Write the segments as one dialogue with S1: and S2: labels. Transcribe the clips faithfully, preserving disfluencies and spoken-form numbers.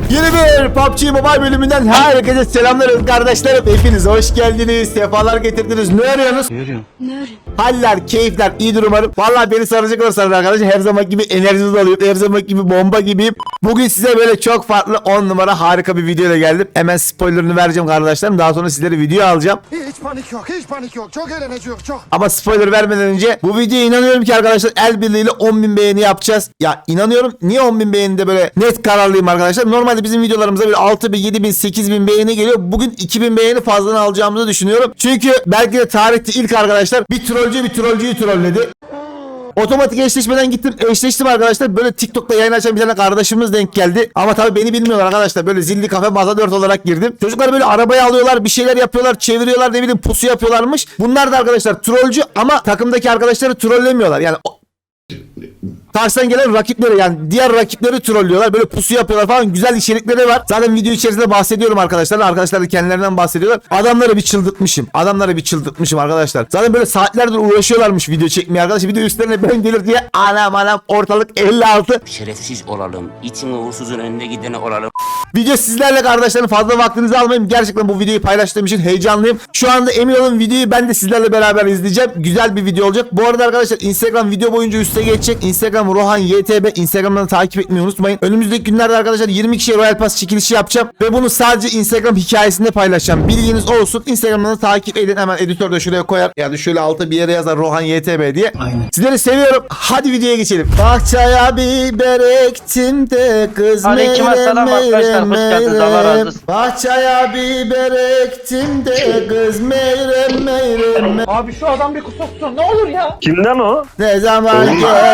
S1: Yeni bir P U B G Mobile bölümünden herkese selamlar kardeşlerim. Hepiniz hoş geldiniz. Sefalar getirdiniz. Ne arıyorsunuz?
S2: Ne arıyorsun?
S3: Ne arıyorsun?
S1: Haller, keyifler, iyidir umarım. Vallahi beni saracak olursanız arkadaşlar her zaman gibi enerjiniz oluyor. Her zaman gibi bomba gibiyim. Bugün size böyle çok farklı on numara harika bir videoyla geldim. Hemen spoilerını vereceğim kardeşlerim. Daha sonra sizlere video alacağım.
S4: Hiç panik yok, hiç panik yok. Çok eğleneceğiz, çok.
S1: Ama spoiler vermeden önce bu videoya inanıyorum ki arkadaşlar el birliğiyle on bin beğeni yapacağız. Ya inanıyorum. Niye on bin beğenide böyle net kararlıyım arkadaşlar? Normalde bizim videolarımıza böyle altı bin, yedi bin, sekiz bin beğeni geliyor. Bugün iki bin beğeni fazladan alacağımızı düşünüyorum. Çünkü belki de tarihte ilk arkadaşlar bir trollcü bir trollcüyü trolledi. Otomatik eşleşmeden gittim, eşleştim arkadaşlar. Böyle TikTok'ta yayın açan bir tane kardeşimiz denk geldi. Ama tabii beni bilmiyorlar arkadaşlar. Böyle zilli kafe masa dört olarak girdim. Çocuklar böyle arabaya alıyorlar, bir şeyler yapıyorlar, çeviriyorlar, ne bileyim pusu yapıyorlarmış. Bunlar da arkadaşlar trollcü ama takımdaki arkadaşları trollemiyorlar. Yani karşıdan gelen rakipleri, yani diğer rakipleri trollüyorlar. Böyle pusu yapıyorlar falan, güzel içerikleri var. Zaten video içerisinde bahsediyorum arkadaşlar. Arkadaşlar da kendilerinden bahsediyorlar. Adamları bir çıldırtmışım. Adamları bir çıldırtmışım arkadaşlar. Zaten böyle saatlerdir uğraşıyorlarmış video çekmeye arkadaşlar. Video üstlerine ben gelir diye anam anam ortalık elli altı.
S2: Şerefsiz olalım. İtin uğursuzun önünde gideni olalım.
S1: Video sizlerle kardeşlerim, fazla vaktinizi almayayım. Gerçekten bu videoyu paylaştığım için heyecanlıyım. Şu anda emin olun videoyu ben de sizlerle beraber izleyeceğim. Güzel bir video olacak. Bu arada arkadaşlar Instagram video boyunca üste geçecek. Instagram Rohan Y T B. Instagram'dan takip etmeyi unutmayın. Önümüzdeki günlerde arkadaşlar yirmi kişiye Royal Pass çekilişi yapacağım. Ve bunu sadece Instagram hikayesinde paylaşacağım. Bilginiz olsun. Instagram'dan takip edin. Hemen editör de şuraya koyar. Yani şöyle alta bir yere yazar Rohan Y T B diye.
S3: Aynen.
S1: Sizleri seviyorum. Hadi videoya geçelim. Bahçeye biber ektim de kız
S5: Aleykümselam arkadaşlar, hoş geldiniz, Allah razı olsun.
S1: Bahçeye biber ektim de kız meyrem meyrem.
S6: Abi şu adam bir kusursun ne olur ya.
S5: Kimden o?
S1: Ne zaman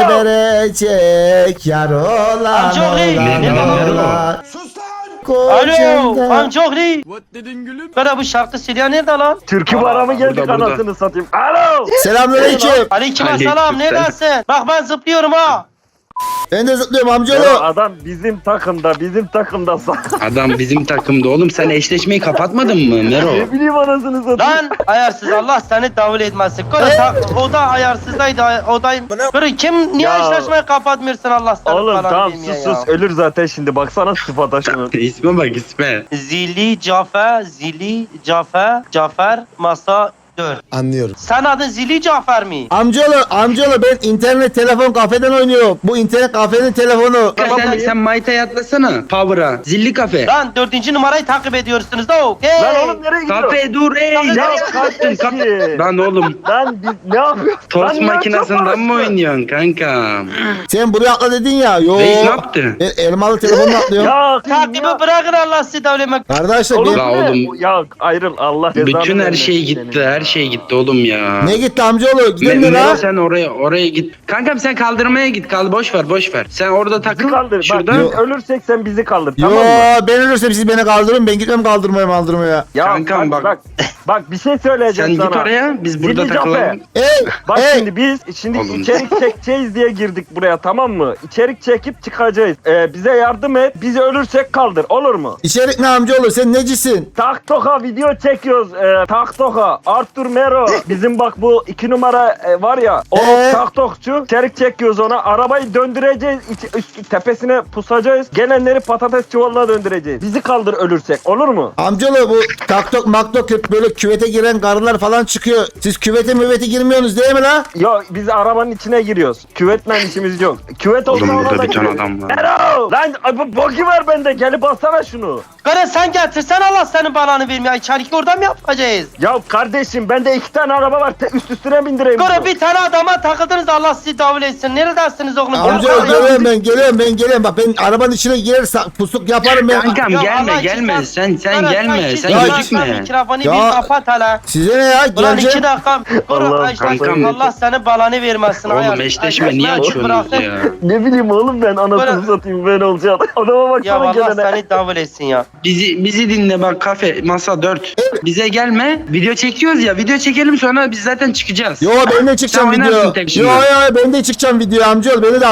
S1: geberecek yar olan
S5: Amcaoğlu,
S1: olan
S5: ne lan?
S1: olan.
S4: Sus lan!
S5: Alo,
S1: Koçumda.
S5: amcaoğlu. Bana bu şarkı Silya nerede lan?
S7: Türkü bara mı geldik anasını satayım? Alo!
S1: Selamünaleyküm.
S5: Aleykümselam, neredesin? Bak ben zıplıyorum ha.
S1: Ben de zıplıyorum
S7: Ya
S1: amcaoğlu.
S7: adam bizim takımda, bizim takımda sa-
S8: Adam bizim takımda oğlum, sen eşleşmeyi kapatmadın mı Mero?
S7: Ne bileyim anasını satayım.
S5: Lan ayarsız, Allah seni davul etmesin. Kore ta- o da ayarsızdaydı, o da... Kore kim, niye
S7: Ya.
S5: eşleşmeyi kapatmıyorsun Allah seni
S7: Oğlum
S5: falan
S7: tamam
S5: diyeyim
S7: sus
S5: ya.
S7: sus ölür zaten şimdi baksana sıfata şunu.
S8: İsme bak isme.
S5: Zili Cafer, Zili Cafer, Cafer masa dört.
S4: Anlıyorum.
S5: Sen adın Zili Cafer mi?
S1: Amcaoğlu, amcaoğlu ben internet telefon kafeden oynuyorum. Bu internet kafenin telefonu.
S8: Sen, sen Mayta'ya atlasana. Power'a. Zilli kafe.
S5: Lan dördüncü numarayı takip ediyorsunuz da o. Hey.
S7: Lan oğlum nereye gidiyorsun?
S8: Kafe dur ey.
S5: Ya
S8: Ne yaptın?
S7: kardeşim.
S8: Kafe. Lan oğlum.
S7: Lan biz ne yapıyoruz?
S8: Tost
S7: Lan ne
S8: makinesinden mi
S7: yapıyorsun?
S8: oynuyorsun kanka?
S1: Sen buraya atla dedin ya. Yo.
S8: Reis ne yaptı?
S1: E, elmalı telefonla atlıyorum.
S7: Ya
S5: Takibi bırakın Allah sizi davlemek.
S1: Kardeşler
S7: Oğlum,
S1: benim...
S8: La
S7: ne?
S8: oğlum.
S7: Ya ayrıl Allah cezanı
S8: Bütün her
S7: vermesin
S8: şey
S7: senin
S8: gitti.
S7: ya.
S8: Her şey gitti oğlum ya.
S1: Ne gitti amcaoğlu? Gidelim
S8: Me-
S1: mi
S8: Mero
S1: lan?
S8: sen oraya oraya git. Kankam sen kaldırmaya git. Kal boş ver boş ver. Sen orada
S7: Bizi
S8: takıl.
S7: kaldır.
S8: Şurada.
S7: Bak biz ölürsek sen bizi kaldır
S1: Yo,
S7: tamam mı?
S1: ben ölürsem siz beni kaldırın. Ben gitmem kaldırmaya maldırmaya.
S7: Ya
S8: Kankam
S7: bak,
S8: bak.
S7: bak bak bir şey söyleyeceğim
S8: Sen
S7: sana.
S8: git oraya. Biz burada
S7: Zilli
S8: takılalım.
S7: Cafe.
S1: Ey!
S7: Bak
S1: ey!
S7: şimdi biz şimdi
S8: Oğlum.
S7: içerik çekeceğiz diye girdik buraya tamam mı? İçerik çekip çıkacağız. Ee, bize yardım et. Biz ölürsek kaldır olur mu?
S1: İçerik ne amcaoğlu? Sen necisin?
S7: Tak Toka video çekiyoruz. Ee, Tak Toka, Arthur Mero. Bizim bak bu iki numara e, var ya. O
S1: Ee?
S7: Tak Tokçu. İçerik çekiyoruz ona. Arabayı döndüreceğiz. İç, üst, tepesine pusacağız. Gelenleri patates çuvalına döndüreceğiz. Bizi kaldır ölürsek olur mu?
S1: Amcaoğlu bu taktok maktok hep böyle küvete giren karılar falan çıkıyor. Siz küvete müvete girmiyorsunuz değil mi la?
S7: Yo biz arabanın içine giriyoruz. Küvetle işimiz yok. Küvet olsa
S8: Oğlum
S7: ona
S8: burada
S7: da
S8: bir ton
S7: gireriz.
S8: adam var.
S7: Mero! Lan ay, bu boki ver bende. Gelip alsana şunu.
S5: Kore sen getirsen Allah senin balanı vermiyor. İçeriki orada mı yapacağız?
S7: Ya kardeşim bende iki tane araba var. Te- üst üstüne bindireyim.
S5: Kore
S7: bunu.
S5: bir tane adama takıldınız Allah sizi davul etsin. Neredesiniz oğlum?
S1: Amcaoğlu
S5: Gel-
S1: geliyorum ben geliyorum ben geliyorum. Bak ben arabanın içine girer sa- pusuk yaparım ben.
S8: Kankam
S5: Ya
S8: gelme
S5: Allah
S8: gelme.
S5: için
S8: Sen sen
S5: Kore,
S8: gelme.
S5: iki
S8: Sen
S5: dakika
S8: gözükme.
S5: Mikrofonu
S1: Ya.
S5: bir kapat hele.
S1: Size ne ya?
S5: Ulan
S1: Geleceğim.
S5: iki dakika. Kore
S7: Allah,
S5: işte,
S8: kankam.
S5: Allah senin balanı vermesin.
S8: Oğlum
S5: Ayar-
S8: eşleşme
S5: Ay-
S8: niye
S5: Ay-
S8: açıyorsunuz
S5: bırakın.
S8: ya?
S7: Ne bileyim oğlum ben anasını
S5: Böyle-
S7: satayım ben olacağım. Adama
S5: Ya
S7: baksana
S5: Allah
S7: gelene.
S5: seni davul etsin ya.
S8: Bizi bizi dinle bak, kafe masa dört. Bize gelme. Video çekiyoruz ya. Video çekelim sonra biz zaten çıkacağız.
S1: Yo ben de çıkacağım
S8: Sen oynarsın
S1: video.
S8: tek
S1: Yo
S8: şimdi.
S1: yo ben de çıkacağım video amcaoğlu beni de alın.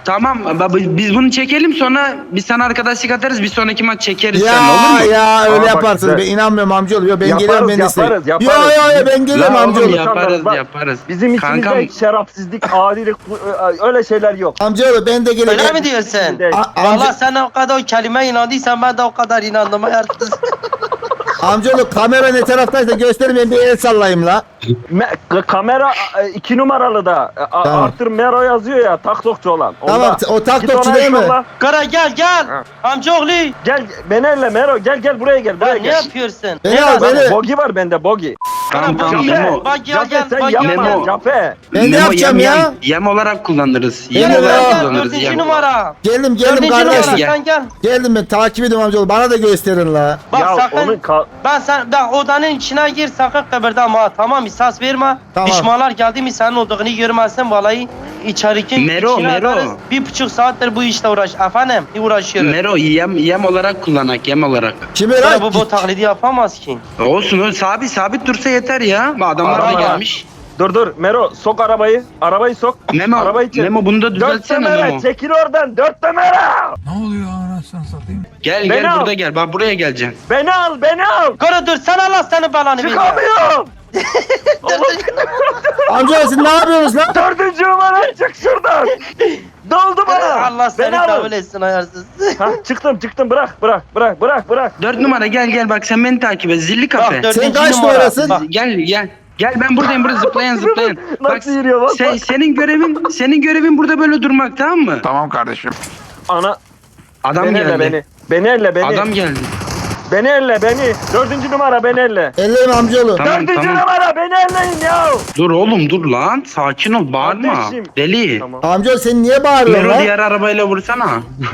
S8: Tamam baba, biz bunu çekelim, sonra biz sana arkadaşlık atarız, bir sonraki maç çekeriz
S1: Ya
S8: seninle, olur mu?
S1: ya öyle
S7: Aa, bak
S1: yaparsınız.
S7: güzel.
S1: Ben inanmıyorum amcaoğlu. Yo, ben
S7: Yaparız,
S1: geliyorum ben de isterim.
S7: yaparız,
S1: Yo
S7: yaparız.
S1: yo yo ben geliyorum
S8: La oğlum
S1: amcaoğlu.
S8: ya. Yaparız,
S7: Bak,
S8: yaparız.
S7: Bizim içimizde
S8: Kankam.
S7: şerefsizlik, adilik öyle şeyler yok.
S1: Amcaoğlu ben de
S5: Öyle
S1: geleceğim.
S5: mi diyorsun?
S1: A-
S5: Valla
S1: amca,
S5: sen o kadar o kelime inandıysan ben de o kadar inandım ayarsız.
S1: amcaoğlu kamera ne taraftaysa gösterin ben bir el sallayayım la.
S7: Me- kamera e, iki numaralı da e, a-
S1: Tamam.
S7: Arthur Mero yazıyor ya, taktokçu olan.
S1: Tamam,
S7: Onda.
S1: o taktokçu
S7: Git ona
S1: değil mi?
S7: inşallah.
S5: Kara gel gel.
S7: Ha.
S5: Amcaoğlu.
S7: Gel beni elle Mero, gel gel buraya gel, buraya
S5: Ben ne
S7: gel.
S5: yapıyorsun?
S1: Beni
S5: Ne
S1: al,
S5: lazım?
S1: beni.
S7: Bogi var bende, bogi.
S8: Tamam tamam
S5: Cafe,
S8: Memo.
S5: Bak gel
S7: Cafe
S5: gel.
S7: sen
S5: Bak
S7: yapma,
S5: gel.
S8: Memo.
S7: Cafe.
S1: Ben ne
S8: Memo,
S1: yapacağım
S8: yem,
S1: ya?
S8: Yem, yem olarak kullanırız.
S1: Gel,
S8: Yem
S1: gel,
S8: olarak
S1: gel,
S8: kullanırız.
S5: Dördüncü
S8: Yem.
S5: numara.
S1: Geldim geldim
S5: Dördüncü
S1: kardeşim.
S5: numara sen gel.
S1: Geldim ben takip ediyorum amcaoğlu. Bana da gösterin la.
S5: Bak
S7: ya
S5: sakın.
S7: onun ka-
S5: Ben sen ben odanın içine gir sakın kıpırdama ha, tamam mı? Sas verme.
S1: Tamam.
S5: Düşmanlar geldi mi senin olduğunu görmezsen vallahi içeriki
S8: Mero,
S5: içine
S8: Mero.
S5: atarız. Bir buçuk saattir bu işle uğraş. Efendim uğraşıyorum.
S8: Mero yem, yem olarak kullanak, yem olarak.
S1: Kimi
S5: Böyle
S1: lan?
S5: bu bu taklidi yapamaz ki.
S8: Olsun öyle sabit sabit dursa yeter ya. Adamlar da
S7: Araba.
S8: gelmiş.
S7: Dur dur Mero, sok arabayı. Arabayı sok.
S8: Memo,
S7: Arabayı çek.
S8: Memo bunu da
S7: Dört
S8: düzeltsene
S7: temere
S8: Memo.
S7: çekil oradan, dört temere.
S8: Gel
S7: Beni
S8: gel
S7: al.
S8: burada gel. Bak buraya geleceksin.
S7: Beni al, beni al.
S5: Kara dur sen Allah senin belanı ver ya.
S7: Çıkamıyorum.
S1: Amcaoğlu siz ne yapıyorsunuz lan?
S7: Dördüncü numara, çık şuradan. Doldu bana.
S5: Allah seni
S7: Beni alın.
S5: davul etsin ayarsız.
S7: Ha, çıktım çıktım, bırak bırak bırak bırak bırak.
S8: Dört numara gel gel bak sen beni takip et. Zilli kafe.
S5: Bak dördüncü
S1: Sen kaç
S5: numara.
S1: numarasın?
S5: Bak,
S8: Gel gel. Gel ben buradayım burada zıplayan zıplayan. Bak
S7: Nasıl yürüyor bak
S8: sen,
S7: bak.
S8: senin görevin senin görevin burada böyle durmak, tamam mı?
S7: Ana,
S8: Adam
S7: beni elle
S8: geldi.
S7: beni. Beni elle beni.
S8: Adam geldi.
S7: Beni elle beni. Dördüncü numara beni elle.
S1: Ellerim amcaoğlu.
S8: Tamam,
S7: Dördüncü
S8: tamam.
S7: numara beni elleyin ya.
S8: Dur oğlum dur lan. Sakin ol bağırma.
S7: Kardeşim.
S8: Deli.
S7: Tamam.
S1: Amcaoğlu sen niye bağırıyorsun
S8: Mero
S1: lan?
S8: diğer arabayla vursana.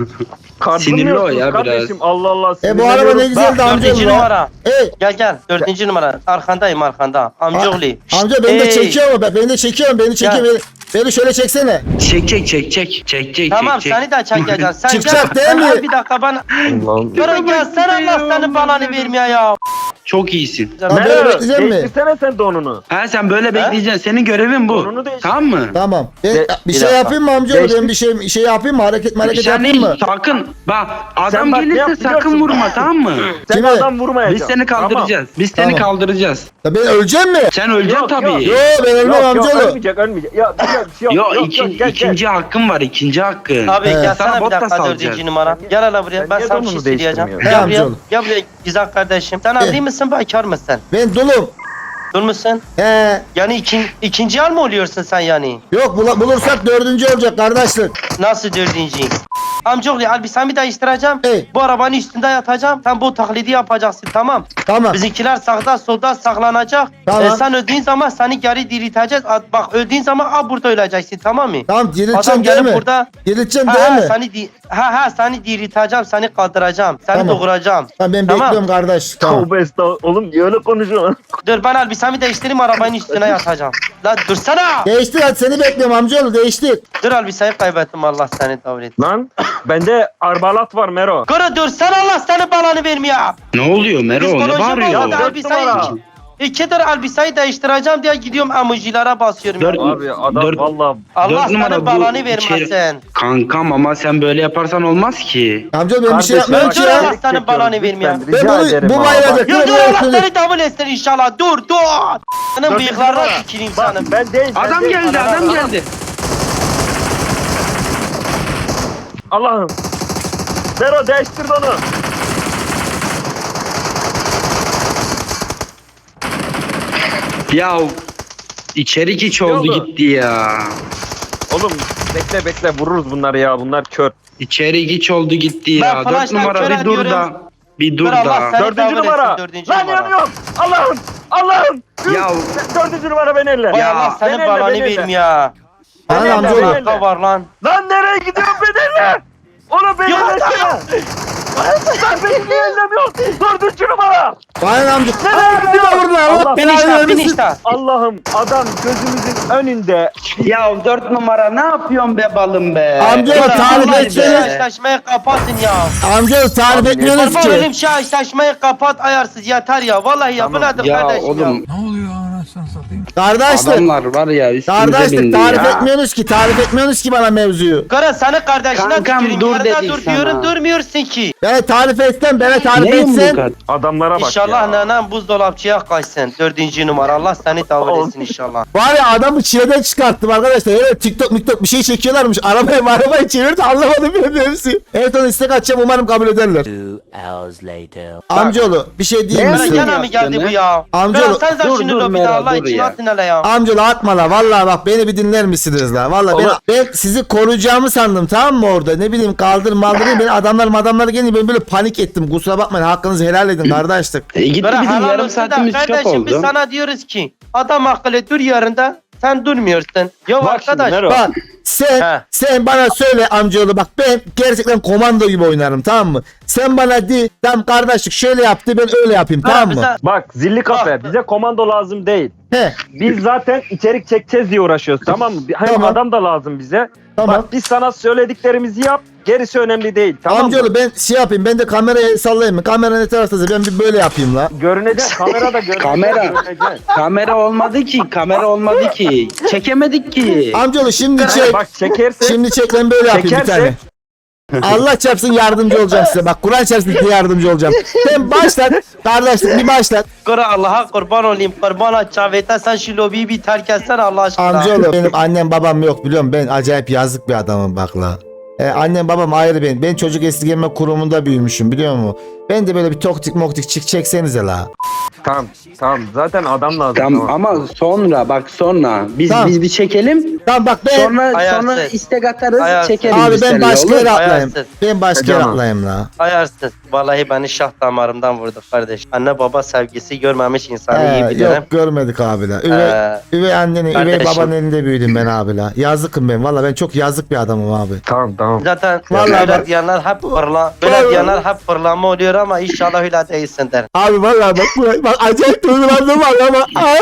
S7: Sinirli
S8: o ya
S7: kardeşim. Allah Allah.
S1: E bu araba ne güzeldi
S5: Bak,
S1: amcaoğlu
S5: dördüncü
S1: ya.
S5: numara.
S1: Ey
S5: Gel gel dördüncü numara. Arkandayım arkanda. Amcaoğlu.
S1: amca beni de
S5: Ey.
S1: çekiyor mu? Ben- Beni de çekiyorum beni çekiyor.
S5: Gel.
S1: Beni, beni şöyle çeksene.
S8: Çek çek çek çek. Çek çek
S5: Tamam
S8: çek.
S5: seni de çekeceğim. Sen
S1: Çıkacak
S5: gel.
S1: değil
S5: Sen
S1: mi?
S5: gel bir dakika bana.
S7: Allah'ım.
S5: Kara gel sen Allah senin belanı vermiyor ya.
S8: Çok iyisin.
S1: Tamam, böyle
S7: Mero,
S1: bekleyecek mi?
S7: değiştirsene sen donunu.
S8: Ha sen böyle bekleyeceksin. Senin görevin bu.
S7: Onunu değiş-
S8: Tamam mı?
S1: Tamam. Ben,
S7: De-
S1: bir
S5: bir
S1: şey
S5: dakika.
S1: yapayım mı amcaoğlu?
S7: Değiştir.
S1: Ben bir şey şey yapayım mı? Hareket hareket
S8: Sen
S1: yapayım mı?
S8: sakın bak adam
S7: Sen bak, ne
S8: gelirse
S7: yap biliyor
S8: sakın
S7: musun?
S8: vurma, tamam mı?
S7: Sen
S1: Kime?
S7: adam vurmayacaksın.
S8: Biz seni kaldıracağız. Biz seni
S1: Tamam.
S8: kaldıracağız.
S1: Ya ben öleceğim mi?
S8: Sen öleceksin
S7: Yok,
S8: tabii.
S7: yok.
S1: Yo ben ölmem
S7: Tamam. Yok yok,
S1: amcaoğlu.
S7: ölmeyecek ölmeyecek. Ya bir şey yok.
S8: Yo,
S7: yok, yok,
S8: ikin-
S7: gel,
S8: ikinci hakkın var, ikinci hakkın.
S5: Abi
S1: Evet.
S5: gel
S8: Sana
S5: sana bir
S8: bot da
S5: dakika
S8: salacağız.
S5: dördüncü numara. Gel hele buraya.
S7: Sen
S5: Ben
S7: niye
S5: sana bir şey
S7: donunu
S5: söyleyeceğim.
S7: değiştirmiyorsun?
S5: Gel
S1: He,
S5: buraya.
S1: amcaoğlu.
S5: Gel buraya güzel kardeşim. Sen
S1: He.
S5: evli misin bekar mısın?
S1: Ben dulum.
S5: Dur musun?
S1: He.
S5: Yani ikin, ikinci al mı oluyorsun sen yani?
S1: Yok bula- bulursak dördüncü olacak kardeşlik.
S5: Nasıl dördüncü? Amcaoğlu elbisemi değiştireceğim.
S1: Ey.
S5: Bu arabanın üstünde yatacağım. Sen bu taklidi yapacaksın tamam.
S1: Tamam.
S5: Bizimkiler sağda solda saklanacak.
S1: Tamam.
S5: E, sen öldüğün zaman seni geri dirilteceğiz. A- Bak öldüğün zaman a burada öleceksin tamam mı?
S1: Tamam dirilteceğim
S5: Adam
S1: değil
S5: gelip
S1: mi?
S5: burada
S1: Dirilteceğim
S5: ha,
S1: değil
S5: ha,
S1: mi?
S5: seni di ha ha seni dirilteceğim, seni kaldıracağım, seni
S1: Tamam.
S5: doğuracağım.
S1: Tamam ben
S5: Tamam.
S1: bekliyorum kardeş. Tamam.
S7: Tövbe estağfurullah. Oğlum niye öyle konuşuyorsun?
S5: Dur ben elbisemi değiştireyim arabanın üstüne yatacağım. La dursana.
S1: Değiştir hadi seni bekliyorum amcaoğlu değiştir.
S5: Dur elbiseyi kaybettim Allah seni davul et.
S7: Lan bende arbalat var Mero.
S5: Kara dursana Allah seni belanı vermiyor.
S8: Ne oluyor Mero? Ne
S5: Psikoloji
S8: bağırıyor?
S5: bozuldu
S7: dört
S5: elbiseyi.
S7: numara.
S5: İkidir elbiseyi değiştireceğim diye gidiyorum emojilere basıyorum.
S8: Dört-
S5: ya.
S7: Abi adam
S8: Dört-
S7: valla.
S5: Allah
S8: dört
S5: senin
S8: numara bu
S5: belanı
S8: içeri-
S5: vermesin.
S8: Kankam ama sen böyle yaparsan olmaz ki.
S1: Amcaoğlu ben bir şey
S7: Kardeşim,
S1: yapmıyorum
S5: bak,
S1: ki
S5: dur
S1: ya.
S5: Allah
S7: Çek
S5: senin
S7: çekiyorum,
S5: belanı
S7: lütfen,
S5: vermiyor.
S7: rica
S1: Ben bunu-
S7: ederim
S1: bu
S7: abi.
S1: bayrağı-
S5: Ya dur
S1: Dur,
S5: Allah
S1: dur.
S5: seni davul etsin inşallah dur dur. Senin
S7: Dördüncü
S5: bıyıklarına
S7: numara.
S5: tüküreyim
S7: Bak
S5: senin.
S7: ben değil. ben
S8: Adam
S7: değil.
S8: geldi, adam geldi.
S7: Allah'ım. Mero değiştir onu.
S8: Ya içerik hiç oldu
S7: oldu?
S8: gitti ya.
S7: Oğlum bekle bekle vururuz bunları ya. Bunlar kör.
S8: İçerik hiç oldu gitti ya.
S5: Ben
S8: Dört
S5: flash'tan
S8: numara
S5: kör
S8: bir dur
S5: ediyorum.
S8: da. Bir dur
S5: Dur Allah
S8: da.
S5: seni
S7: Dördüncü
S5: davul etsin,
S7: numara.
S5: dördüncü
S7: Lan
S5: numara.
S7: yanıyorum. Allah'ım. Allah'ım.
S8: Ya
S7: Dördüncü numara beni elle.
S5: Vay
S8: Ya,
S5: Allah senin
S7: beni elle,
S5: belanı
S7: beni elle.
S5: vermiyor.
S1: Bana
S7: Beni
S1: amcaoğlu.
S7: elle, beni
S5: Dakika
S7: elle.
S5: var lan.
S7: Lan nereye gidiyorsun beni elle? Onu beni
S5: Yok,
S7: ellesene. Lan beni niye ellemiyorsun? Dördüncü numara.
S1: Bana amca.
S7: Nereye gidiyorsun?
S1: Burada Allah
S7: Allah
S5: Bin
S1: belanı
S5: işte bin
S1: vermesin.
S5: işte.
S7: Allah'ım adam gözümüzün önünde.
S8: ya dört numara ne yapıyorsun be balım be?
S1: Amca,
S8: Ya,
S1: tarif
S8: vallahi
S1: etsene.
S8: be.
S5: Eşleşmeyi kapatın ya.
S1: Amcaoğlu tarif etmiyorsunuz
S5: Kurban
S1: ki.
S5: olayım şu eşleşmeyi kapat ayarsız yeter ya. Vallahi ya bu
S8: Tamam.
S5: nedir
S8: Ya
S5: kardeşim
S8: oğlum.
S5: ya.
S1: Kardeşlik.
S8: Adamlar var ya üstümüze
S1: Kardeşlik
S8: bindi
S1: tarif
S8: ya.
S1: etmiyorsunuz ki. Tarif etmiyorsunuz ki bana mevzuyu.
S5: Kara sana kardeşine
S8: Kankam,
S5: tüküreyim.
S8: dur
S5: Yarıda
S8: dedik
S5: dur
S8: sana.
S5: diyorum durmuyorsun ki.
S1: Bana tarif etsen, bana tarif
S8: Ne
S1: etsen.
S8: yumruk?
S7: Adamlara bak
S5: İnşallah
S7: ya.
S5: nanan buzdolapçıya kaçsın. Dördüncü numara. Allah seni davul etsin inşallah.
S1: Var ya adamı çileden çıkarttım arkadaşlar. Öyle TikTok miktok bir şey çekiyorlarmış. Arabayı arabayı çevirdi, anlamadım bile mevzuyu. Evet onu istek atacağım, umarım kabul ederler.
S2: Two hours later.
S1: Amcaoğlu bir şey diyeyim
S8: Ne
S1: mi
S5: Kara
S1: size?
S5: gene mi geldi bu ya?
S1: Amcaoğlu-
S5: Kara sen sen
S8: Dur,
S5: şunu
S8: dur
S5: lobide
S8: Mera,
S5: Allah
S8: dur
S5: için
S8: ya.
S5: atın hele ya.
S1: Amcaoğlu atma la, vallahi bak beni bir dinler misiniz la? Vallahi ben,
S7: Oğlum-
S1: ben sizi koruyacağımı sandım, tamam mı orada? Ne bileyim kaldır maldırayım, beni adamlar adamlar gelince ben böyle panik ettim. Kusura bakmayın, hakkınızı helal edin kardeşlik.
S8: E gitti
S5: Kara
S8: bizim
S5: helal
S8: yarım
S5: olsun da
S8: saatimiz çok
S5: kardeşim biz
S8: oldu.
S5: sana diyoruz ki adam akıllı dur yarında sen durmuyorsun. Ya
S7: Bak şimdi
S5: arkadaş
S7: Mero.
S1: Bak sen
S5: He.
S1: sen bana söyle amcaoğlu, bak ben gerçekten komando gibi oynarım, tamam mı? Sen bana de tamam kardeşlik şöyle yaptı, ben öyle yapayım,
S5: Kara
S1: tamam mı?
S5: bize-
S7: Bak zilli kafe
S5: Bak.
S7: bize komando lazım değil.
S1: He
S7: Biz zaten içerik çekeceğiz diye uğraşıyoruz tamam mı? Hem
S1: Tamam.
S7: adam da lazım bize.
S1: tamam.
S7: Bak biz sana söylediklerimizi yap. Gerisi önemli değil tamam mı?
S1: Amcaoğlu ben şey yapayım, ben de kamerayı sallayayım mı? Kamera ne taraftaysa ben bir böyle yapayım la.
S7: Görünecek kamerada görünecek.
S8: Kamera.
S7: görünecek.
S8: Kamera olmadı ki, kamera olmadı ki. Çekemedik ki.
S1: Amcaoğlu şimdi çek.
S7: Bak çekerse
S1: Şimdi çek, ben böyle yapayım bir
S7: Çekerse-
S1: tane. Allah çarpsın yardımcı olacağım size. Bak Kur'an çarpsın size yardımcı olacağım. Sen başlat. Kardeşlik bir başlat.
S5: Kara Allah'a kurban olayım. Kurban aç Çavete sen şu lobiyi bir terk etsen Allah aşkına.
S1: Amcaoğlu benim annem babam yok biliyorum. Ben acayip yazık bir adamım bak la. Ee, annem babam ayrı benim. Ben çocuk esirgeme kurumunda büyümüşüm biliyor musun? Ben de böyle bir toktik moktik çık çeksenize la.
S7: Tamam tamam zaten adam lazım.
S8: Tamam ama sonra bak sonra biz
S1: Tamam.
S8: biz bir çekelim.
S1: Tamam bak ben...
S8: Sonra
S5: Ayarsız.
S8: sonra istek atarız,
S5: Ayarsız.
S8: çekeriz.
S1: Abi
S8: biz
S1: ben
S8: seninle,
S1: başka
S8: olur
S1: yere
S8: mu?
S1: atlayayım.
S5: Ayarsız.
S1: Ben başka yere
S7: Canım.
S1: atlayayım la.
S5: Ayarsız. Vallahi beni şah damarımdan vurdu kardeş. Anne baba sevgisi görmemiş insanı iyi
S1: Ee,
S5: bilirim.
S1: yok görmedik abi la. Üvey,
S5: Ee,
S1: üvey annenin, üvey
S5: kardeşim.
S1: babanın elinde büyüdüm ben abi la. Yazıkım ben. Valla ben çok yazık bir adamım abi.
S7: Tamam tamam.
S5: Zaten
S1: Vallahi
S5: böyle
S1: bak-
S5: diyenler hep fırla, böyle
S1: Vallahi-
S5: diyenler hep fırlama oluyor ama inşallah öyle değilsin der.
S1: Abi vallahi bak, bak, bak acayip duygulandım var ama. Ay.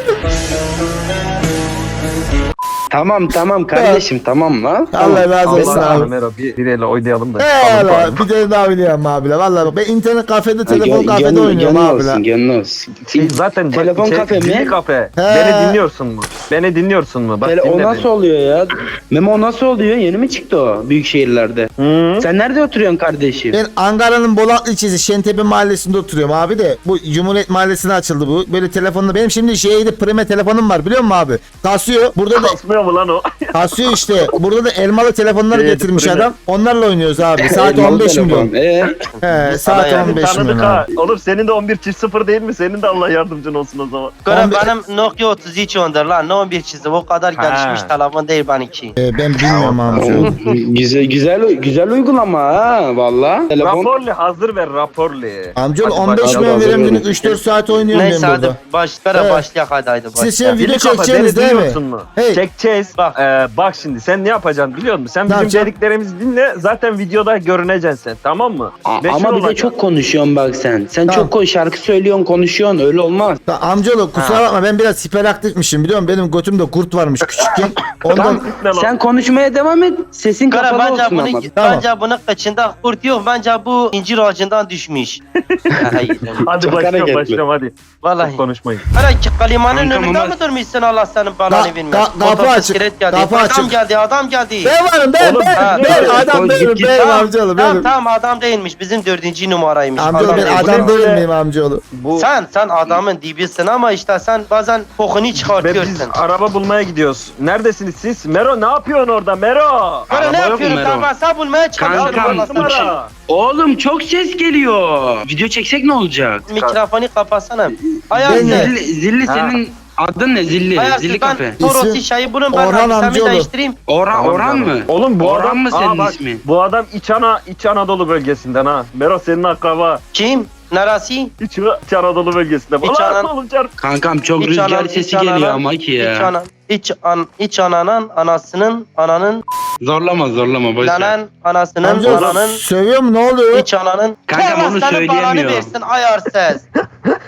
S8: Tamam tamam kardeşim tamam lan.
S1: Allah razı olsun
S7: Allah
S1: abi.
S7: Allah Mero bir, bir elle oynayalım da.
S1: Eyvallah bir tane daha oynayalım abi la. Vallahi bak ben internet kafede, telefon
S8: Gö-
S1: kafede
S8: gönlü-
S1: oynuyorum
S8: gönlü
S1: abi la.
S8: olsun, gönlü olsun.
S7: Şey, zaten bak,
S8: Telefon
S7: içerik-
S8: kafe mi?
S7: zilli kafe.
S1: He.
S7: Beni dinliyorsun mu? Beni dinliyorsun mu? Bak
S8: Tele- o
S7: dinle
S8: nasıl
S7: beni.
S8: oluyor ya? Memo o nasıl oluyor? Yeni mi çıktı o büyük şehirlerde?
S7: Hı?
S8: Sen nerede oturuyorsun kardeşim?
S1: Ben Ankara'nın Bolatlı ilçesi Şentepe mahallesinde oturuyorum abi de. Bu Cumhuriyet mahallesine açıldı bu. Böyle telefonla benim şimdi şeyde prime telefonum var biliyor musun abi? Kasıyor. Burada da
S7: Kasmıyor mu lan o?
S1: kasıyor işte. Burada da elmalı telefonları
S7: Şeyde
S1: getirmiş
S7: prime.
S1: adam. Onlarla oynuyoruz abi. Saat
S8: Elmalı
S1: on beş
S8: telefon.
S1: milyon.
S8: Ee,
S1: He, saat
S5: yani
S1: on beş
S7: Tanıdık
S1: milyon
S7: ha.
S1: abi.
S7: Oğlum senin de on bir çift sıfır değil mi? Senin de Allah yardımcın olsun o zaman.
S5: Göre
S1: on bir
S5: benim Nokia otuz üç ondur lan. Ne on bir çizim o kadar
S7: Ha.
S5: gelişmiş telefon değil benimki.
S1: Ee, ben bilmiyorum abi.
S8: o- güzel güzel güzel uygulama ha valla. Telefon.
S7: Raporlu hazır ver raporlu.
S1: Amcaoğlu
S7: Hadi
S1: on beş
S7: bakalım.
S1: milyon veriyorum
S8: hazır
S1: günlük üç dört saat oynuyorum
S5: Neyse
S1: ben
S5: hadi
S1: burada.
S5: başlara
S1: Evet.
S5: başlayak hadi haydi
S1: Siz
S5: başlayak.
S1: şimdi video
S7: Zilli kafa,
S1: çekeceksiniz
S7: beni
S1: değil mi?
S7: dinliyorsun mu?
S1: Hey.
S7: Çekeceğiz.
S1: Bak.
S7: Ee, bak şimdi sen ne yapacaksın biliyor musun? Sen
S1: Ne
S7: bizim
S1: yapacağım?
S7: dediklerimizi dinle. Zaten videoda görüneceksin sen tamam mı?
S8: A-
S7: Meşhur
S8: ama bir de
S7: olacaksın.
S8: çok konuşuyorsun bak sen. Sen
S1: Tamam.
S8: çok koy şarkı söylüyorsun, konuşuyorsun. Öyle olmaz.
S1: Ya amcaoğlu kusura bakma ben biraz hiperaktifmişim biliyor musun? Benim götümde kurt varmış küçükken. Ondan
S8: Tamam.
S7: Ne lan?
S8: Sen konuşmaya devam et. Sesin
S5: Kara
S8: kapalı
S5: bence
S8: olsun
S5: bunun,
S8: ama.
S1: Tamam.
S5: bence bunun kıçında kurt yok. Bence bu incir ağacından düşmüş. Hayır.
S7: Hadi
S8: Çok
S7: başlıyorum
S8: hareketli.
S7: başlıyorum hadi.
S5: Vallahi.
S7: Çok konuşmayın.
S5: Hala ki kalimanın
S8: Kankam
S5: önünde
S8: ama-
S5: mi durmuşsun Allah senin
S1: Ka-
S5: belanı bilmez.
S1: ka- kapı
S5: Otobüs
S1: açık,
S5: kilit geldi.
S1: kapı
S5: adam
S1: açık.
S5: geldi adam geldi.
S1: ben varım ben
S7: Oğlum,
S1: ben
S5: ha,
S1: ben
S8: evet,
S1: adam
S8: koy,
S1: benim
S8: git,
S1: benim
S5: Tamam,
S1: amcaoğlu
S5: tamam,
S1: benim.
S5: tamam adam değilmiş. Bizim dördüncü numaraymış.
S1: Amcaoğlu
S5: Adam
S1: ben
S5: değil.
S1: adam
S7: Bu ne
S1: değil
S7: böyle?
S1: miyim amcaoğlu?
S7: Bu
S5: Sen sen adamın dibisin ama işte sen bazen kokunu
S7: ve biz
S5: çıkartıyorsun.
S7: araba bulmaya gidiyoruz. Neredesiniz siz? Mero ne yapıyorsun orada Mero?
S5: Böyle ne
S8: Araba yok mu
S5: yapıyorum
S8: Mero?
S5: ben hesap bulmaya çalışıyorum.
S8: Kankam,
S5: Allah sana.
S7: Numara.
S8: Oğlum çok ses geliyor. Video çeksek ne olacak?
S5: Mikrofonu kapatsana.
S1: Ben
S5: Ayarsız.
S1: de-
S8: Zilli, zilli
S7: Ha.
S8: senin adın ne? Zilli.
S5: Ayarsız
S8: Zilli
S5: ben
S8: kafe.
S5: Toros
S1: İsim-
S5: şeyi bunun ben
S1: Orhan
S5: hadisemi
S1: amcaoğlu.
S5: değiştireyim.
S8: Orhan,
S7: Tamam,
S8: Orhan
S7: tamam.
S8: mı?
S7: Oğlum bu
S8: Orhan
S7: adam
S8: mı senin
S7: Aa, bak,
S8: ismin?
S7: Bu adam İç, Ana, İç Anadolu bölgesinden ha. Mero senin akraba.
S5: Kim? Neresi?
S7: İç, İç Anadolu bölgesinde.
S5: İç
S7: Ulan
S5: Anan-
S7: oğlum çarp.
S8: Kankam çok
S5: İç
S8: rüzgar
S5: anan-
S8: sesi
S5: iç ananan-
S8: geliyor ama ki
S5: İç,
S8: ya.
S5: ana, iç, an, iç ananın anasının ananın
S8: Zorlama zorlama boş ver.
S5: lanen anasının
S1: Amcaoğlu
S5: ananın
S1: sövüyor mu ne oluyor?
S5: iç ananın
S8: Kankam
S5: Allah
S8: onu
S5: senin belanı
S8: söyleyemiyor.
S5: versin ayarsız.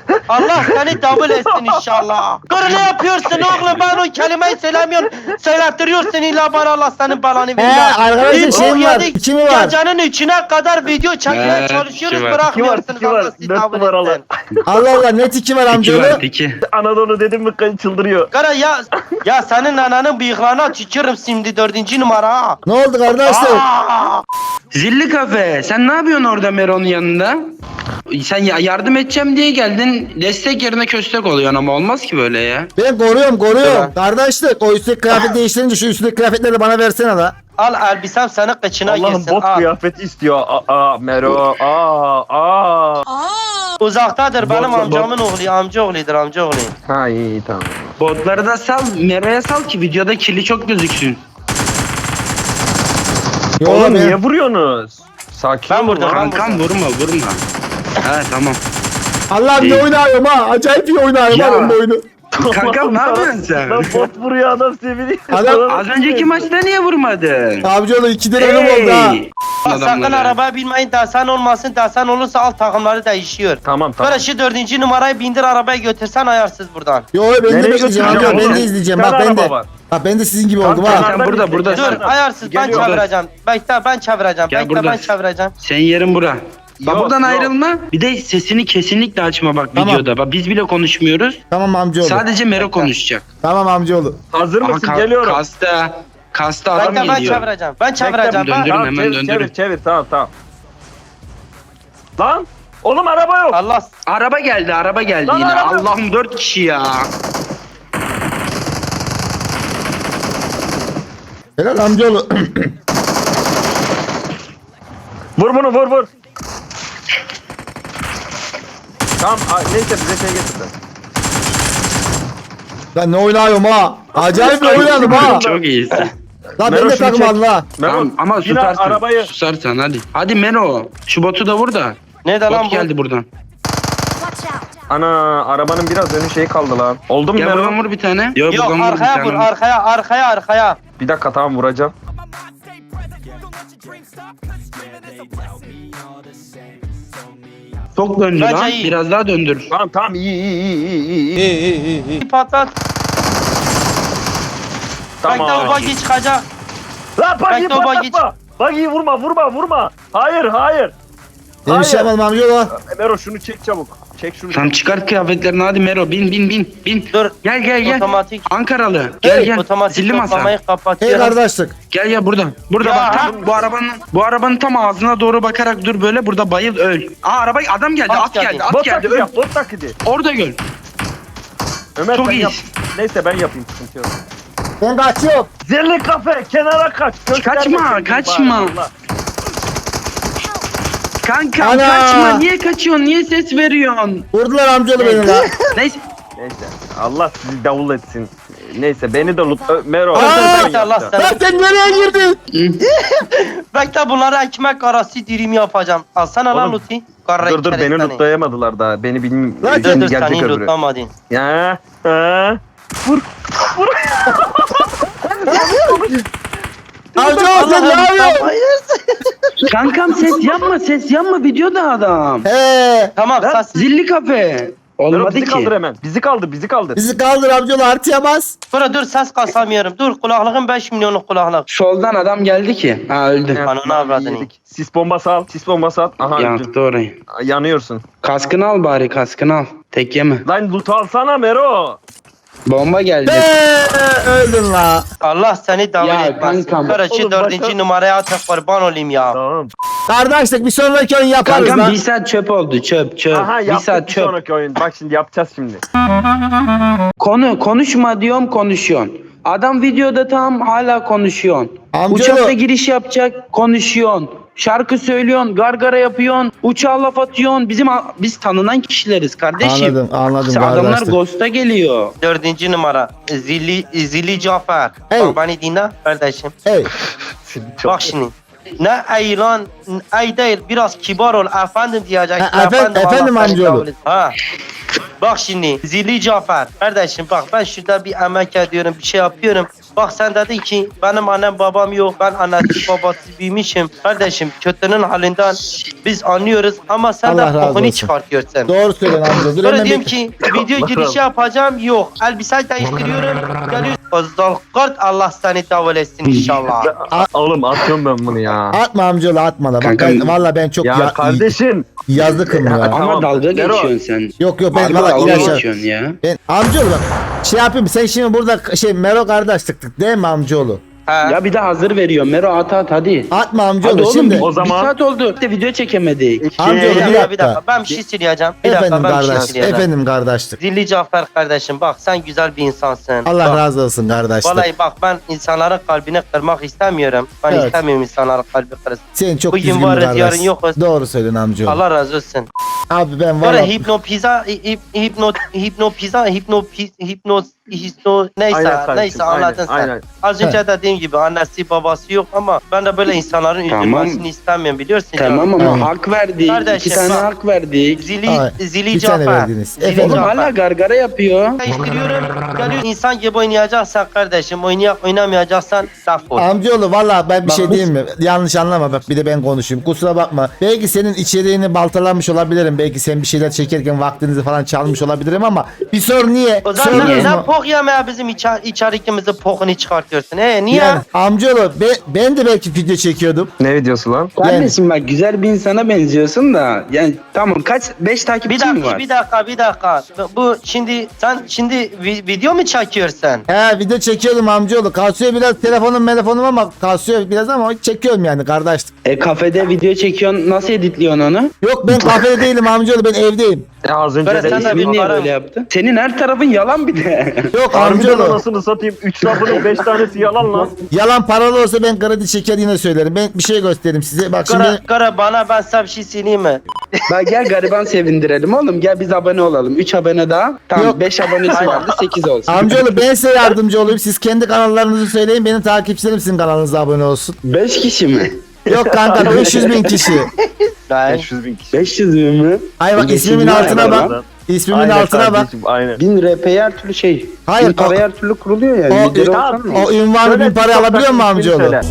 S5: Allah seni davul etsin inşallah. Kır ne yapıyorsun oğlum, ben o kelimeyi söylemiyorum. Söylettiriyorsun illa bana, Allah senin belanı
S1: He
S5: versin.
S1: arkadaşlar şey mi var? İki mi var?
S5: Gecenin üçüne kadar video çekmeye
S8: He,
S5: çalışıyoruz,
S8: iki var.
S5: bırakmıyorsunuz.
S7: İki var,
S5: Allah sizi
S7: dört
S5: davul
S7: numaralı.
S5: etsin.
S1: Allah Allah net iki var
S8: İki
S1: amcaoğlu.
S8: var iki.
S7: Anadolu dedim mi çıldırıyor.
S5: Kara ya, ya senin ananın bıyıklarına tükürüm şimdi dördüncü numara ha.
S1: Ne oldu kardeşler?
S5: Aa!
S8: Zilli kafe. Sen ne yapıyorsun orada Mero'nun yanında? Sen ya- yardım edeceğim diye geldin. Destek yerine köstek oluyorsun ama olmaz ki böyle ya.
S1: Ben koruyorum koruyorum.
S5: Tamam.
S1: Kardeşlik o üstteki kıyafet değiştirince şu üstteki kıyafetleri de bana versene la.
S5: Al elbisem senin kıçına
S7: Allah'ım
S5: girsin.
S7: bot
S5: Al.
S7: kıyafeti istiyor. Aa, aa Mero. Aa, aa.
S5: Uzaktadır benim
S7: Bot-
S5: amcamın oğlu, amca oğludur amca oğlu.
S7: Ha iyi iyi, tamam.
S8: Botları da sal. Mero'ya sal ki videoda kirli çok gözüksün.
S1: Yo,
S7: Oğlum
S1: ben-
S7: niye vuruyorsunuz? Sakin
S5: Ben
S7: olun
S5: vurdum,
S7: lan.
S5: ben
S8: Kankam vurma vurma. He tamam.
S1: Allah'ım ne
S8: İyi.
S1: oynuyorum ha. Acayip iyi oynuyorum
S8: Ya.
S1: ben bu oyunu.
S8: Kankam ne yapıyorsun sen?
S7: Lan bot vuruyor adam seviniyor.
S1: Adam-
S8: Az önceki maçta niye vurmadın?
S1: Amcaoğlu iki lira ölüm oldu ha.
S5: Bak sakın
S8: Adamları.
S5: arabaya binmeyin, desen olmasın, desen olursa alt takımları değişiyor.
S7: Tamam tamam.
S5: Böyle şu dördüncü numarayı bindir arabaya götürsen ayarsız buradan.
S1: Yo ben de
S7: Nereye
S1: bekleyeceğim
S7: götüreceğim
S1: amca ben
S7: oğlum?
S1: de izleyeceğim
S7: Bir
S1: bak
S7: tane
S1: ben de.
S7: araba var.
S1: Bak ben de sizin gibi oldum
S7: Kanka,
S1: ha.
S8: Sen burada burada.
S5: Dur ayarsız ben
S7: Geliyor.
S5: çevireceğim. Bekle ben çevireceğim.
S8: Gel
S5: Bekle
S8: burada.
S5: ben çevireceğim.
S8: Senin yerin bura. Bak
S7: Yok,
S8: buradan
S7: yok.
S8: ayrılma. Bir de sesini kesinlikle açma bak
S1: Tamam.
S8: videoda. Bak biz bile konuşmuyoruz.
S1: Tamam amcaoğlu.
S8: Sadece Mero konuşacak.
S1: Tamam amcaoğlu.
S7: Hazır
S8: Ama
S7: mısın?
S8: ka-
S7: Geliyorum.
S8: Kasta, kasta adam
S5: Bekle ben
S8: geliyor.
S5: çevireceğim. Ben
S7: Bekle,
S5: çevireceğim. Ben...
S8: döndürün.
S7: Tamam,
S8: hemen
S7: çevir,
S8: döndürün.
S7: Çevir çevir tamam tamam. Lan oğlum araba yok.
S5: Allah
S8: Araba geldi, araba geldi
S7: Lan
S8: yine.
S7: araba-
S8: Allah'ım dört kişi ya.
S1: Helal amcaoğlu.
S7: Vur bunu vur vur. Tamam a- neyse bize şey getirdi.
S1: Lan ne oynuyorum ha. Acayip bir oynadım ha.
S8: Çok iyisin.
S1: Lan ben
S7: Mero
S1: de
S7: şunu
S1: takım
S7: çek.
S1: Allah.
S7: Mero,
S8: Tamam ama
S7: yine
S8: susarsan.
S7: arabayı.
S8: Susarsan hadi. Hadi Mero. Şu botu da vur da.
S5: ne de lan
S8: Bot
S5: bu?
S8: geldi buradan.
S7: Ana arabanın biraz önü şey kaldı lan. Oldu mu
S8: Gel
S7: Mero?
S8: buradan vur bir tane. Yok,
S5: Yok
S8: buradan vur bir
S5: arkaya vur
S8: tane.
S5: arkaya arkaya arkaya.
S7: Bir dakika tamam vuracağım.
S8: Çok döndü
S5: Bence
S8: lan.
S5: iyi.
S8: Biraz daha döndür.
S7: Tamam tamam iyi iyi iyi iyi iyi.
S5: Bir patlat. Bekle o
S7: Tamam.
S5: bagi çıkacak.
S7: Lan bagiyi
S5: Bekle, o bagi-
S7: patlatma. Bagiyi vurma vurma vurma. Hayır hayır.
S1: Benim şey yapmadım amcaoğlu.
S7: Mero şunu çek çabuk. Çek şunu.
S8: Tamam çıkart kıyafetlerini hadi Mero. Bin bin bin. Bin.
S5: Dur.
S8: Gel gel gel.
S5: Otomatik.
S8: Ankaralı. Gel gel.
S5: Otomatik
S8: Zilli masa.
S5: toplamayı
S1: Hey
S5: kapatıyorum.
S1: kardeşlik.
S8: Gel ya burada. Burada
S5: Ya.
S8: bak. Ha, bu arabanın bu arabanın tam ağzına doğru bakarak dur böyle. Burada bayıl öl. Aa araba adam geldi.
S5: At
S8: At, geldi.
S5: geldi.
S8: At
S7: Bot
S8: geldi.
S7: taklidi
S8: Öl.
S7: yap bot taklidi.
S8: Orada göl.
S7: Ömer
S8: Çok
S7: sen
S8: iyiyiz.
S7: yap. Neyse ben yapayım sıkıntı yok.
S1: Ben kaçıyorum.
S7: Zilli kafe kenara kaç. Gösterme
S8: Kaçma,
S7: kendini
S8: kaçma.
S7: bari, Allah.
S8: Kankam
S1: Ana.
S8: kaçma. Niye kaçıyorsun? Niye ses veriyorsun?
S1: Vurdular amcaoğlu beni la.
S8: Neyse.
S7: Neyse Allah sizi davul etsin. Neyse beni de loot. Ö- Mero.
S1: Aa!
S7: ben
S5: Bekle Allah
S7: yapacağım.
S5: seni.
S1: Lan sen nereye girdin?
S5: Bekle bunlara ekmek arası dilim yapacağım. Alsana lan
S7: Oğlum,
S5: Luti. Karra
S7: Dur dur beni
S5: keresteni.
S7: lootlayamadılar daha. Beni bilmiyorum.
S1: Lan
S5: Dur
S7: Şimdi
S5: dur
S7: gelecek
S5: seni
S7: öbürü.
S5: lootlamadım.
S7: Ya. Ha.
S1: Amcaoğlu sen ne yapıyorsun?
S8: Kankam ses yapma. Ses yapma. Videoda adam.
S1: He.
S5: Tamam
S7: Lan,
S5: sen
S8: Zilli kafe.
S7: Mero
S8: Olmadı
S7: bizi
S8: ki.
S7: kaldır hemen. Bizi kaldır bizi kaldır.
S1: Bizi kaldır amcaoğlu artıya bas.
S5: dur dur ses kasamıyorum. Dur kulaklığım beş milyonluk kulaklık.
S8: Soldan adam geldi ki. Ha öldü.
S5: Ananı avradını.
S7: Yedik. Sis bombası al. Sis bombası at. Aha öldün.
S8: Yaktı orayı.
S7: Yanıyorsun.
S8: Kaskını al bari kaskını al. Tek yeme.
S7: Lan loot alsana Mero.
S8: Bomba geldi.
S1: He, öldün la.
S5: Allah seni davul
S8: Ya
S5: etmesin.
S8: kankam.
S5: Karıcı
S7: Oğlum,
S5: dördüncü
S7: başka-
S5: numaraya atak kurban olayım ya.
S7: Tamam.
S1: Kardeşlik bir sonraki oyun yaparız
S8: Kankam
S1: lan.
S8: bir saat çöp oldu çöp çöp.
S7: Aha
S8: bir
S7: yaptık
S8: saat
S7: bir
S8: çöp.
S7: sonraki oyun. Bak şimdi yapacağız şimdi.
S8: Konu konuşma diyorum konuşuyorsun. Adam videoda tam hala konuşuyorsun.
S1: Amcaoğlu.
S8: Uçakta giriş yapacak konuşuyorsun. Şarkı söylüyorsun, gargara yapıyorsun, uçağa laf atıyorsun. Bizim biz tanınan kişileriz kardeşim.
S1: Anladım anladım
S8: Sen adamlar
S1: kardeşlik.
S8: Ghost'a geliyor.
S5: Dördüncü numara. Zilli, Zilli Cafer.
S1: Hey.
S5: Bak beni dinle kardeşim.
S1: Hey.
S5: Bak şimdi. Ne ey lan, ey değil biraz kibar ol efendim diyeceksin.
S1: Ha, efe- efendim
S5: Allah seni
S1: amcaoğlu.
S5: kabul etsin. Ha. Bak şimdi Zilli Cafer. Kardeşim bak ben şurada bir emek ediyorum bir şey yapıyorum. Bak sen dedin ki benim annem babam yok. Ben annesiz babasız büyümüşüm. Kardeşim kötünün halinden biz anlıyoruz ama sen
S1: Allah
S5: de
S1: razı olsun.
S5: kokunu çıkartıyorsun.
S1: Doğru söylüyorsun amca. Dur
S5: Sonra
S1: hemen
S5: diyorum
S1: bir...
S5: ki video girişi yapacağım yok. Elbise değiştiriyorum. Geliyorsun. Zalkart Allah seni davul etsin inşallah.
S7: Oğlum atıyorum ben bunu ya.
S1: Atma amcaoğlu atma da. Bak
S8: Kanka-
S1: ben, valla ben çok
S7: Ya
S1: ya,
S7: kardeşim.
S1: yazlıkım ya.
S8: Ama
S7: Tamam,
S8: dalga
S7: Nero.
S8: geçiyorsun sen.
S1: Yok yok ben
S8: Harbi
S1: valla
S8: dalga
S1: ilaç.
S8: geçiyorsun ya.
S1: Ben amcaoğlu bak. Şey yapayım sen şimdi burada şey Mero kardeş tıktık değil mi amcaoğlu?
S5: Ha.
S8: Ya bir de hazır veriyorum. Mero at at hadi.
S1: Atma
S8: Hadi
S1: amcaoğlu
S8: oğlum
S1: şimdi.
S7: o zaman-
S8: bir saat oldu. De video çekemedik.
S1: Amcaoğlu
S5: Bir
S1: bir
S5: dakika, bir
S1: dakika.
S5: dakika. Ben bir şey söyleyeceğim. Bir
S1: Efendim
S5: dakika ben bir şey
S1: kardeş.
S5: söyleyeceğim.
S1: Efendim kardeşlik.
S5: Zilli Cafer kardeşim bak sen güzel bir insansın.
S1: Allah
S5: Bak,
S1: razı olsun kardeşlik.
S5: Vallahi bak ben insanların kalbini kırmak istemiyorum. Ben
S1: Evet.
S5: istemiyorum insanların kalbi kırılsın.
S1: Sen çok
S5: Bugün
S1: düzgün bir
S5: varız,
S1: kardeş.
S5: yarın yokuz.
S1: Doğru söylüyorsun amcaoğlu.
S5: Allah razı olsun.
S1: Abi ben
S5: Sonra
S1: valla
S5: hipno pizza, hip, hipno, hipno pizza, hipno, pi- hipno, hipno, neyse,
S7: Aynen kardeşim,
S5: neyse
S7: aynen,
S5: anladın sen.
S7: aynen.
S5: Az önce dediğim gibi annesi babası yok ama ben de böyle insanların
S8: Tamam.
S5: üzülmesini istemiyorum biliyorsun.
S8: Tamam
S5: canım.
S8: ama
S1: Aynen.
S8: hak verdik.
S5: Kardeşim,
S8: İki tane
S5: bak.
S8: hak verdik.
S5: Zili,
S1: Ay,
S5: zili
S1: bir tane
S5: Cafer.
S1: verdiniz.
S5: Zili
S1: Efendim?
S8: Oğlum
S5: Cafer.
S8: hala gargara yapıyor.
S5: Değiştiriyorum. Geliyor insan gibi oynayacaksan kardeşim oynayak oynamayacaksan laf ol.
S1: amcaoğlu valla ben bir
S8: Bak
S1: şey
S8: bu-
S1: diyeyim mi? Yanlış anlama bak bir de ben konuşayım. Kusura bakma. Belki senin içeriğini baltalamış olabilirim. Belki sen bir şeyler çekerken vaktinizi falan çalmış olabilirim ama bir sor niye?
S5: O zaman
S1: Sorunuz
S5: sen
S1: mu?
S5: pok yemeye bizim içer, içerikimizi pokunu çıkartıyorsun. He niye?
S1: Yani amcaoğlu ben, ben de belki video çekiyordum.
S7: Ne videosu lan?
S8: Kardeşim bak güzel bir insana benziyorsun da. Yani tamam kaç? Beş
S5: Bir
S8: takipçin mi
S5: dakika,
S8: var?
S5: bir dakika, bir dakika. Bu şimdi sen şimdi vi- video mu çekiyorsun?
S1: He video çekiyordum amcaoğlu. Kasıyor biraz telefonum telefonum ama kasıyor biraz ama çekiyorum yani kardeşlik.
S8: E kafede video çekiyorsun. Nasıl editliyorsun onu?
S1: Yok ben kafede değilim amcaoğlu ben evdeyim.
S7: Ya az önce
S5: Böyle
S7: de
S5: sen de
S8: İsmini
S5: bir
S8: niye
S5: para-
S8: böyle yaptın? Senin her tarafın yalan bir de.
S1: Yok
S7: Harbiden
S1: amcaoğlu.
S7: anasını satayım. Üç lafının beş tanesi yalan lan.
S1: Yalan paralı olsa ben kredi çeker yine söylerim. Ben bir şey göstereyim size. Bak
S5: Kara,
S1: şimdi
S5: kara bana ben sana bir şey söyleyeyim mi?
S8: Bak gel gariban sevindirelim oğlum. Gel biz abone olalım. Üç abone daha. Tamam
S1: Yok.
S8: beş abonesi vardı. Sekiz olsun.
S1: amcaoğlu ben size yardımcı olayım. Siz kendi kanallarınızı söyleyin. Benim takipçilerim sizin kanalınıza abone olsun.
S8: Beş kişi mi?
S1: Yok kanka beş yüz bin kişi.
S5: Ben
S7: beş yüz bin kişi.
S8: Beş yüz bin mi?
S1: Ay bak
S8: beş yüz
S1: ismimin
S8: bin
S1: altına
S8: var
S1: bak.
S8: lan.
S1: İsmimin
S7: Aynen
S1: altına bak.
S7: kardeşim, Aynen.
S8: Bin R P'ye her türlü şey.
S1: Hayır,
S8: Bin paraya
S1: o-
S8: her türlü kuruluyor yani.
S1: o-
S8: Lideri
S1: o-
S8: olsan mı?
S1: O ünvanı
S7: Söyle,
S1: bin paraya
S7: TikTok'taki
S1: alabiliyor mu
S7: ismini
S1: amcaoğlu?
S7: söyle.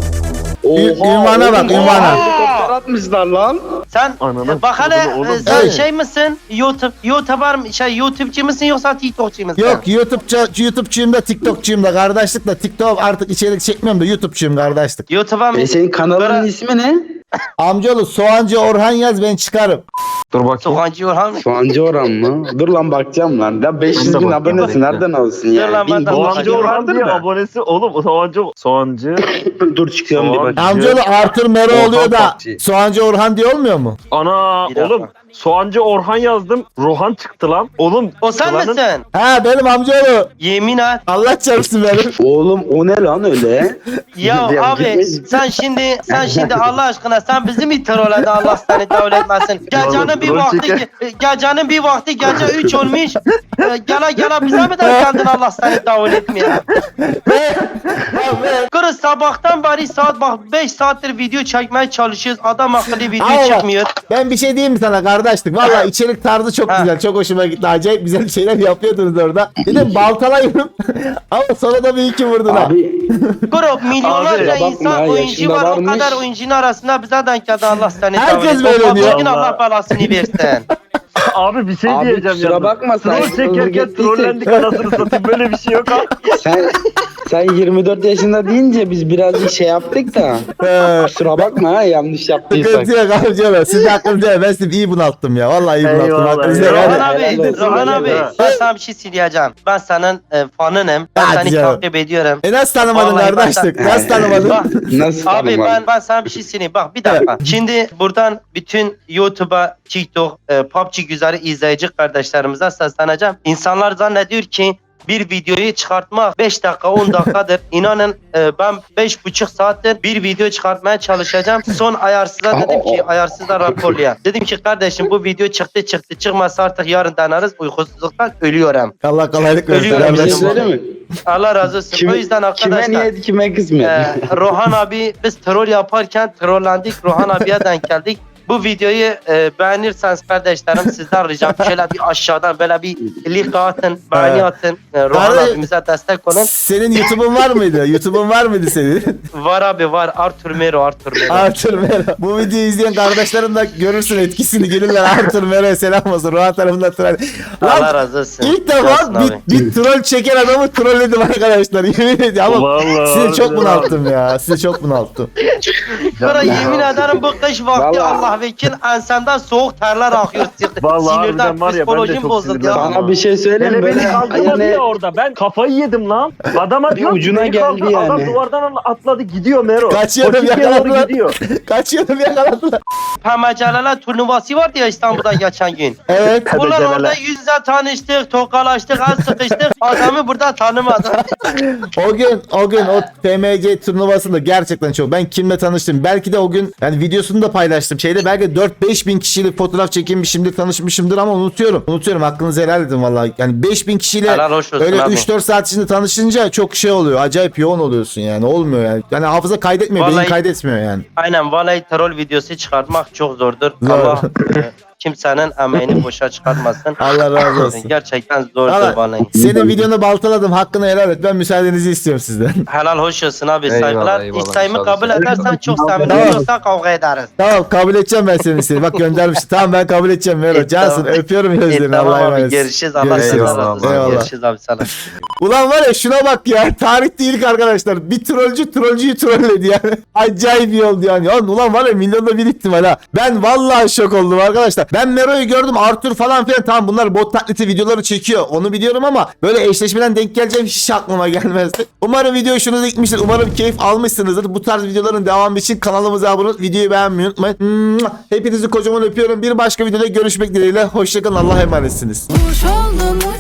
S1: Ü- ünvana
S8: oğlum,
S1: bak, ünvana.
S8: Helikopter atmışlar lan.
S5: sen
S7: Ananı
S5: bak hele
S7: sikeyim oğlum.
S5: e, sen
S1: Evet.
S5: şey misin? YouTube YouTuber mı- şey YouTube'cu musun yoksa TikTok'cu musun?
S1: Yok YouTube'cu, YouTube'cuyum da TikTok'cuyum da kardeşlik da TikTok artık içerik çekmiyorum da YouTube'cuyum kardeşlik.
S5: YouTube'a mı?
S8: E senin kanalının
S5: Kara-
S8: ismi ne?
S1: Amcaoğlu Soğancı Orhan yaz ben çıkarım.
S7: Dur bakayım.
S5: Soğancı Orhan mı?
S8: Soğancı Orhan mı? Dur lan bakacağım lan. Ya beş yüz
S7: Dur
S8: bin
S7: bakayım,
S8: abonesi
S7: bekle.
S8: nereden olsun
S5: Dur
S8: ya?
S5: lan, ben
S8: Bin
S5: de
S8: dolar
S7: Soğancı
S5: bakayım.
S7: Orhan
S8: vardır
S7: diye
S8: da.
S7: abonesi oğlum. Soğancı. Soğancı.
S8: Dur çıkıyorum bir
S7: Soğan-
S8: bak.
S1: Amcaoğlu Arthur Mero
S7: Orhan
S1: oluyor da
S7: Pakçı.
S1: Soğancı Orhan diye olmuyor mu?
S7: Ana
S5: Bir dakika.
S7: oğlum. Soğancı Orhan yazdım. Rohan çıktı lan. Oğlum.
S5: O sen
S7: Ulanın-
S5: misin?
S1: Ha benim amcaoğlu.
S5: Yemin et.
S1: Allah çarpsın benim.
S8: Oğlum o ne lan öyle?
S5: Ya
S8: Ya
S5: abi
S8: gitmiş.
S5: sen şimdi sen şimdi Allah aşkına sen bizi mi trolledin Allah seni davul etmesin. Gecenin bir
S7: Rol
S5: vakti
S7: çeker.
S5: gecenin bir vakti gece üç olmuş. E, Gele gele bize mi denk geldin Allah seni davul etmiyor. Kırız sabahtan beri saat bak beş saattir video çekmeye çalışıyoruz. Adam akıllı video
S1: Ama bak,
S5: çıkmıyor.
S1: ben bir şey diyeyim mi sana kardeşlik? Valla içerik tarzı çok
S5: Ha.
S1: güzel. Çok hoşuma gitti. Acayip güzel şeyler yapıyordunuz orada. Dedim baltalayayım. Ama sonra da bir iki vurdun ha.
S8: Abi
S5: Grup milyonlarca
S8: Abi, bakma,
S5: insan oyuncu
S8: yaşında
S5: var. O
S8: varmış.
S5: kadar oyuncunun arasında bize denk geldi Allah seni
S1: Herkes
S5: davul etsin.
S1: böyle
S5: O
S1: diyor.
S5: bugün Allah belasını versin.
S7: Abi bir şey
S8: Abi,
S7: diyeceğim
S8: kusura
S7: yalnız.
S8: bakma, sen
S7: Troll
S8: hızlı
S7: çekerken
S8: gittiysek-
S7: trollendik anasını satayım. Böyle bir şey yok ha.
S8: sen sen yirmi dört yaşında deyince biz birazcık şey yaptık da.
S1: Ee,
S8: Kusura bakma ha yanlış yaptıysak.
S1: Sıkıntı yok amcaoğlu. Siz de hakkınızı değil. Ben sizi iyi bunalttım ya. Vallahi iyi bunalttım.
S7: Eyvallah,
S1: Hakkınızı
S7: eyvallah.
S1: değil.
S5: Rohan
S1: Yani-
S5: abi,
S8: helal olsun,
S5: Rohan
S8: helal
S5: abi
S7: olsun.
S5: ben sana bir şey söyleyeceğim. Ben senin e, fanınım. Ben
S1: Hadi
S5: seni
S1: canım.
S5: takip ediyorum.
S1: E nasıl tanımadın
S5: Vallahi
S1: kardeşlik?
S5: ben-
S1: Nasıl tanımadın?
S5: Bak,
S8: Nasıl
S5: abi
S8: tanımadın?
S5: ben ben sana bir şey söyleyeyim. Bak bir dakika. Şimdi buradan bütün YouTube'a, TikTok, e, P U B G güzeli izleyici kardeşlerimize sesleneceğim. İnsanlar zannediyor ki bir videoyu çıkartmak beş dakika on dakikadır. İnanın e, ben beş buçuk saattir bir video çıkartmaya çalışacağım. Son ayarsıza dedim ki ayarsıza raporlayan. Dedim ki kardeşim bu video çıktı çıktı çıkmazsa artık yarın deneriz uykusuzluktan ölüyorum.
S1: Allah kolaylık versin.
S5: Ölüyorum
S8: Bir şey
S5: dedim.
S1: kardeşim.
S8: söyleyeyim mi?
S5: Allah razı olsun.
S8: Kime,
S5: o yüzden arkadaşlar.
S8: kime niyet kime kısmet.
S5: Ee, Rohan abi biz troll yaparken trollendik. Rohan abiye denk geldik. Bu videoyu e, beğenirseniz kardeşlerim sizden ricam şöyle bir aşağıdan böyle bir like atın, beğeni atın. E, Rohan
S1: Kardeş-
S5: abimize destek olun.
S1: Senin YouTube'un var mıydı? YouTube'un var mıydı senin?
S5: Var abi var. Arthur Mero, Arthur Mero.
S1: Arthur Mero. Bu videoyu izleyen kardeşlerim de görürsün etkisini. Gelirler Arthur Mero'ya selam olsun. Ruha tarafından troll.
S5: Allah
S1: Lan
S5: razı olsun.
S1: ilk
S5: Olsun
S1: defa
S5: abi.
S1: bir, bir troll çeken adamı trolledim arkadaşlar. Yemin ediyorum ama
S7: Vallahi
S1: sizi çok
S7: harbiden
S1: bunalttım ya. Sizi çok bunalttım.
S5: Sonra yemin ederim bu kış vakti Allah vekil ensemden soğuk terler akıyor.
S7: Vallahi
S5: Sinirden
S7: harbiden var ya, ben de
S5: psikolojim
S7: çok
S5: bozuldu ya.
S7: sinirlendim.
S3: Sana bir şey söyleyeyim mi?
S7: Hele beni
S3: Böyle
S7: kaldırmadı
S3: yani
S7: ya orada. Ben kafayı yedim lan. Adama diyor ki,
S3: ucuna
S7: beni
S3: geldi
S7: kaldır. Adam
S3: yani.
S7: duvardan atladı gidiyor Mero.
S1: Kaçıyordum,
S7: Koçiki'ye doğru
S1: yakaladılar.
S7: gidiyor.
S1: Kaçıyordum yakaladılar.
S5: Pemeceleler turnuvası vardı ya İstanbul'da geçen gün.
S1: Evet.
S5: Bunlar
S7: Pemeceleler.
S5: orada yüzle tanıştık, tokalaştık, az sıkıştık. Adamı burada tanımadım.
S1: O gün o gün o P M G turnuvasında gerçekten çok. Ben kimle tanıştım? Belki de o gün yani videosunu da paylaştım. Şeyde belki dört beş bin kişiyle fotoğraf çekinmişimdir, tanışmışımdır ama unutuyorum. Unutuyorum. Hakkınızı helal edin vallahi. Yani beş bin kişiyle
S5: Helal hoş olsun
S1: öyle
S5: abi.
S1: üç dört saat içinde tanışınca çok şey oluyor. Acayip yoğun oluyorsun yani. Olmuyor yani. Yani hafıza kaydetmiyor, beyin
S5: Vallahi-
S1: kaydetmiyor yani.
S5: Aynen vallahi troll videosu çıkartmak çok zordur.
S1: Zor.
S5: Allah e, kimsenin emeğini boşa çıkartmasın.
S1: Allah razı olsun.
S5: Gerçekten zordur
S1: Valla
S5: vallahi.
S1: senin videonu baltaladım. Hakkını helal et. Ben müsaadenizi istiyorum sizden.
S5: Helal hoş olsun abi.
S3: Eyvallah,
S5: Saygılar.
S3: eyvallah,
S5: İsteğimi
S3: sağ
S5: kabul
S3: olasın.
S5: edersen çok sevinirim.
S1: Tamam.
S5: Yoksa kavga ederiz.
S1: Tamam kabul edeceğim ben senin isteğini. Bak göndermiştim. Tamam ben kabul edeceğim Mero.
S5: E,
S1: Cansın
S5: tamam.
S1: öpüyorum
S5: E,
S1: gözlerini.
S5: tamam
S1: Allah'a
S5: abi
S1: emanet.
S5: görüşürüz. Allah
S1: Görüşürüz.
S5: razı olsun.
S1: Eyvallah.
S5: Görüşürüz abi sana.
S1: Ulan var ya şuna bak ya. Tarihte ilk arkadaşlar. Bir trollcü trollcüyü trolledi yani. Acayip iyi oldu yani. Ya, ulan var ya milyonda bir ihtimal ha. Ben vallahi şok oldum arkadaşlar. Ben Mero'yu gördüm. Arthur falan filan. Tamam bunlar bot taklidi videoları çekiyor. Onu biliyorum ama böyle eşleşmeden denk geleceğim hiç aklıma gelmezdi. Umarım video hoşunuza gitmiştir. Umarım keyif almışsınızdır. Bu tarz videoların devamı için kanalımıza abone olup videoyu beğenmeyi unutmayın. Hepinizi kocaman öpüyorum. Bir başka videoda görüşmek dileğiyle. Hoşçakalın. Allah'a emanetsiniz.
S9: Kuş oldum